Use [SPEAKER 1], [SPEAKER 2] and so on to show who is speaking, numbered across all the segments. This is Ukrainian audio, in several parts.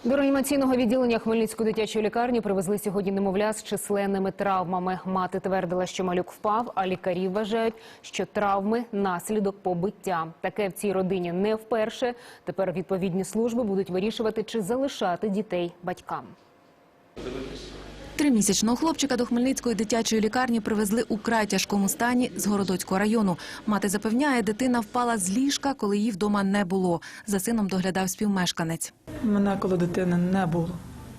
[SPEAKER 1] До реанімаційного відділення Хмельницької дитячої лікарні привезли сьогодні немовля з численними травмами. Мати твердила, що малюк впав, а лікарі вважають, що травми – наслідок побиття. Таке в цій родині не вперше. Тепер відповідні служби будуть вирішувати, чи залишати дітей батькам.
[SPEAKER 2] Тримісячного хлопчика до Хмельницької дитячої лікарні привезли у край тяжкому стані з Городоцького району. Мати запевняє, дитина впала з ліжка, коли її вдома не було. За сином доглядав співмешканець.
[SPEAKER 3] Мене коли дитини не було.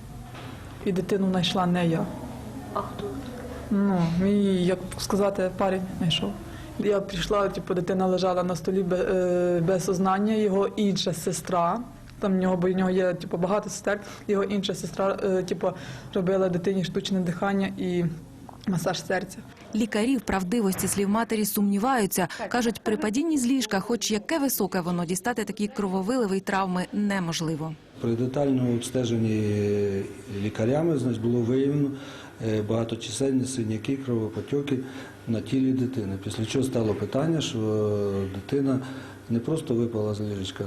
[SPEAKER 3] І дитину знайшла не я.
[SPEAKER 1] А хто?
[SPEAKER 3] Мій, як сказати, парень знайшов. Я прийшла, дитина лежала на столі без сознання, його інша сестра. Там бо в нього є багато сестер. Його інша сестра робила дитині штучне дихання і масаж серця.
[SPEAKER 2] Лікарі в правдивості слів матері сумніваються. Кажуть, при падінні з ліжка, хоч яке високе воно, дістати такі крововиливи й травми неможливо.
[SPEAKER 4] При детальному обстеженні лікарями було виявлено багаточисельні синяки, кровопотьоки на тілі дитини. Після чого стало питання, що дитина не просто випала з ліжечка,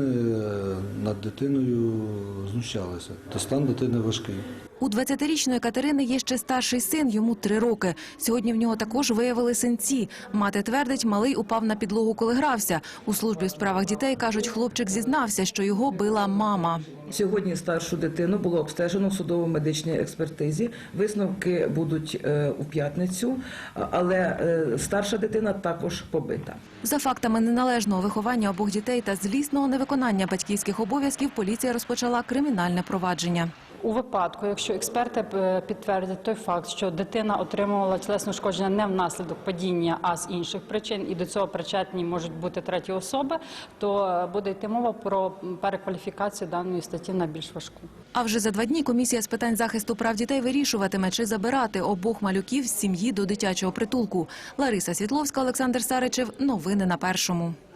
[SPEAKER 4] над дитиною знущалися. То стан дитини важкий.
[SPEAKER 2] У 20-річної Катерини є ще старший син, йому 3 роки. Сьогодні в нього також виявили синці. Мати твердить, малий упав на підлогу, коли грався. У службі у справах дітей, кажуть, хлопчик зізнався, що його била мама.
[SPEAKER 5] Сьогодні старшу дитину було обстежено в судово-медичній експертизі. Висновки будуть у п'ятницю, але старша дитина також побита.
[SPEAKER 2] За фактами неналежного виховання обох дітей та злісного невиконання батьківських обов'язків поліція розпочала кримінальне провадження.
[SPEAKER 6] У випадку, якщо експерти підтвердять той факт, що дитина отримувала тілесне ушкодження не внаслідок падіння, а з інших причин, і до цього причетні можуть бути треті особи, то буде йти мова про перекваліфікацію даної статті на більш важку.
[SPEAKER 2] А вже за 2 дні комісія з питань захисту прав дітей вирішуватиме, чи забирати обох малюків з сім'ї до дитячого притулку. Лариса Світловська, Олександр Саричев. Новини на Першому.